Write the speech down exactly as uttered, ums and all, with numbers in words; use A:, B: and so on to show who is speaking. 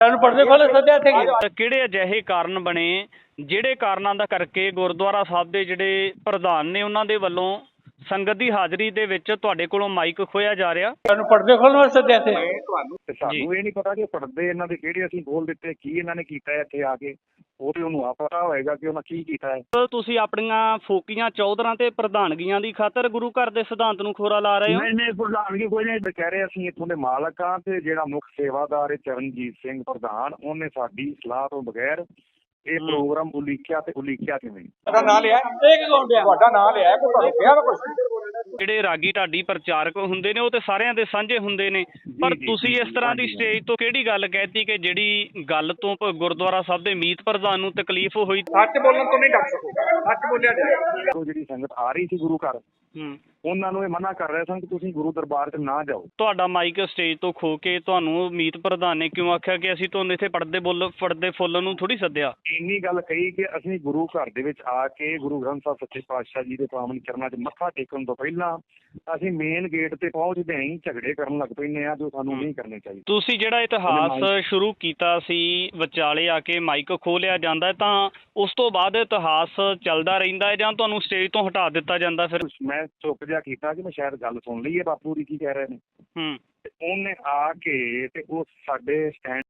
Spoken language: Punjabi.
A: ਪਰਦੇ ਖੋਲੇ ਸੱਦਿਆ ਇੱਥੇ
B: ਕਿਹੜੇ ਅਜਿਹੇ ਕਾਰਨ ਬਣੇ ਜਿਹੜੇ ਕਾਰਨਾਂ ਦਾ ਕਰਕੇ ਗੁਰਦੁਆਰਾ ਸਾਹਿਬ ਦੇ ਜਿਹੜੇ ਪ੍ਰਧਾਨ ਨੇ ਉਹਨਾਂ ਦੇ ਵੱਲੋਂ ਸੰਗਤ ਦੀ ਹਾਜ਼ਰੀ ਦੇ ਵਿੱਚ ਤੁਹਾਡੇ ਕੋਲੋਂ ਮਾਈਕ ਖੋਇਆ ਜਾ ਰਿਹਾ?
A: ਤੁਹਾਨੂੰ ਪਰਦੇ ਖੋਲਣ ਵਾਸਤੇ ਸੱਦਿਆ ਇੱਥੇ?
C: ਤੁਹਾਨੂੰ ਤੇ ਸਾਨੂੰ ਇਹ ਨਹੀਂ ਪਤਾ ਕਿ ਪਰਦੇ ਇਹਨਾਂ ਦੇ ਕਿਹੜੇ ਅਸੀਂ ਖੋਲ ਦਿੱਤੇ, ਕੀ ਇਹਨਾਂ ਨੇ ਕੀਤਾ ਇੱਥੇ ਆ ਕੇ, ਉਹ ਤੇ ਉਹਨੂੰ ਆ ਪਤਾ ਹੋਏਗਾ ਕਿ ਉਹਨਾਂ ਕੀ ਕੀਤਾ ਹੈ।
B: ਤੁਸੀਂ ਆਪਣੀਆਂ ਫੋਕੀਆਂ ਚੌਧਰਾਂ ਤੇ ਪ੍ਰਧਾਨਗੀਆਂ ਦੀ ਖਾਤਰ ਗੁਰੂ ਘਰ ਦੇ ਸਿਧਾਂਤ ਨੂੰ ਖੋਰਾ ਲਾ ਰਹੇ ਹੋ?
C: ਨਹੀਂ ਨਹੀਂ ਪ੍ਰਧਾਨਗੀ ਕੋਈ ਨਹੀਂ, ਕਹਿ ਰਹੇ ਅਸੀਂ ਇੱਥੋਂ ਦੇ ਮਾਲਕ ਹਾਂ ਤੇ ਜਿਹੜਾ ਮੁੱਖ ਸੇਵਾਦਾਰ ਹੈ ਚਰਨਜੀਤ ਸਿੰਘ ਪ੍ਰਧਾਨ, ਉਹਨੇ ਸਾਡੀ ਸਲਾਹ ਤੋਂ ਬਗੈਰ ਇਹ ਪ੍ਰੋਗਰਾਮ ਉਲੀਕਿਆ ਤੇ ਉਲੀਕਿਆ ਕਿਵੇਂ?
A: ਤੁਹਾਡਾ ਨਾਂ ਲਿਆ? ਇਹ ਕੌਣ ਲਿਆ? ਤੁਹਾਡਾ ਨਾਂ ਲਿਆ ਕੋਈ ਤੁਹਾਨੂੰ ਕਿਹਾ ਵਾ ਕੁਝ?
B: ਜਿਹੜੇ ਰਾਗੀ ਢਾਡੀ ਪ੍ਰਚਾਰਕ ਹੁੰਦੇ ਨੇ ਉਹ ਤੇ ਸਾਰਿਆਂ ਦੇ ਸਾਂਝੇ ਹੁੰਦੇ ਨੇ, ਪਰ ਤੁਸੀਂ ਇਸ ਤਰ੍ਹਾਂ ਦੀ ਸਟੇਜ ਤੋਂ ਕਿਹੜੀ ਗੱਲ ਕਹਿਤੀ ਕਿ ਜਿਹੜੀ ਗੱਲ ਤੋਂ ਪ- ਗੁਰਦੁਆਰਾ ਸਾਹਿਬ ਦੇ ਮੀਤ ਪ੍ਰਧਾਨ ਨੂੰ ਤਕਲੀਫ ਹੋਈ?
A: ਸੱਚ ਬੋਲਣ ਤੋਂ ਨਹੀਂ ਡਰ ਸਕਦਾ, ਸੱਚ ਬੋਲਿਆ ਜਾਏ।
C: ਉਹ ਜਿਹੜੀ ਸੰਗਤ ਆ ਰਹੀ ਸੀ ਗੁਰੂ ਘਰ,
B: ਹੂੰ,
C: ਉਹਨਾਂ ਨੂੰ ਇਹ ਮਨਾ ਕਰ ਰਹੇ ਸਨ ਕਿ ਤੁਸੀਂ ਗੁਰੂ ਦਰਬਾਰ 'ਚ ਨਾ ਜਾਓ।
B: ਤੁਹਾਡਾ ਮਾਈਕ ਸਟੇਜ ਤੋਂ ਖੋ ਕੇ ਤੁਹਾਨੂੰ ਮੀਤ ਪ੍ਰਧਾਨ ਨੇ ਕਿਉਂ ਆਖਿਆ ਕਿ ਅਸੀਂ ਤੁਹਾਨੂੰ ਇੱਥੇ ਪੜਦੇ ਬੁੱਲ ਪੜਦੇ ਫੁੱਲ ਨੂੰ ਥੋੜੀ ਸੱਦਿਆ?
C: ਇੰਨੀ ਗੱਲ ਕਹੀ ਕਿ ਅਸੀਂ ਗੁਰੂ ਘਰ ਦੇ ਵਿੱਚ ਆ ਕੇ ਗੁਰੂ ਗ੍ਰੰਥ ਸਾਹਿਬ ਸੱਚੇ ਪਾਤਸ਼ਾਹ ਜੀ ਦੇ ਪਾਵਨ ਚਰਨਾਂ 'ਚ ਮੱਥਾ ਟੇਕਣ ਤੋਂ ਪਹਿਲਾਂ ਅਸੀਂ ਮੇਨ ਗੇਟ ਤੇ ਪਹੁੰਚਦੇ ਹੀ ਝਗੜੇ ਕਰਨ ਲੱਗ ਪੈਂਦੇ ਆ, ਜੋ ਸਾਨੂੰ ਨਹੀਂ ਕਰਨੇ ਚਾਹੀਦੇ।
B: ਤੁਸੀਂ ਜਿਹੜਾ ਇਤਿਹਾਸ ਸ਼ੁਰੂ ਕੀਤਾ ਸੀ ਵਿਚਾਲੇ ਆ ਕੇ ਮਾਈਕ ਖੋਲਿਆ ਜਾਂਦਾ ਹੈ, ਤਾਂ ਉਸ ਤੋਂ ਬਾਅਦ ਇਤਿਹਾਸ ਚੱਲਦਾ ਰਹਿੰਦਾ ਹੈ ਜਾਂ ਤੁਹਾਨੂੰ ਸਟੇਜ ਤੋਂ ਹਟਾ ਦਿੱਤਾ ਜਾਂਦਾ? ਫਿਰ
C: ਮੈਂ ਚੁੱਪ ਜਿਹਾ ਕੀਤਾ ਕਿ ਮੈਂ ਸ਼ਾਇਦ ਗੱਲ ਸੁਣ ਲਈ ਹੈ ਬਾਪੂ ਦੀ ਕੀ ਕਹਿ ਰਹੇ ਨੇ।
B: ਹੂੰ,
C: ਤੇ ਉਹਨੇ ਆ ਕੇ ਤੇ ਉਹ ਸਾਡੇ ਸਟੈਂਡ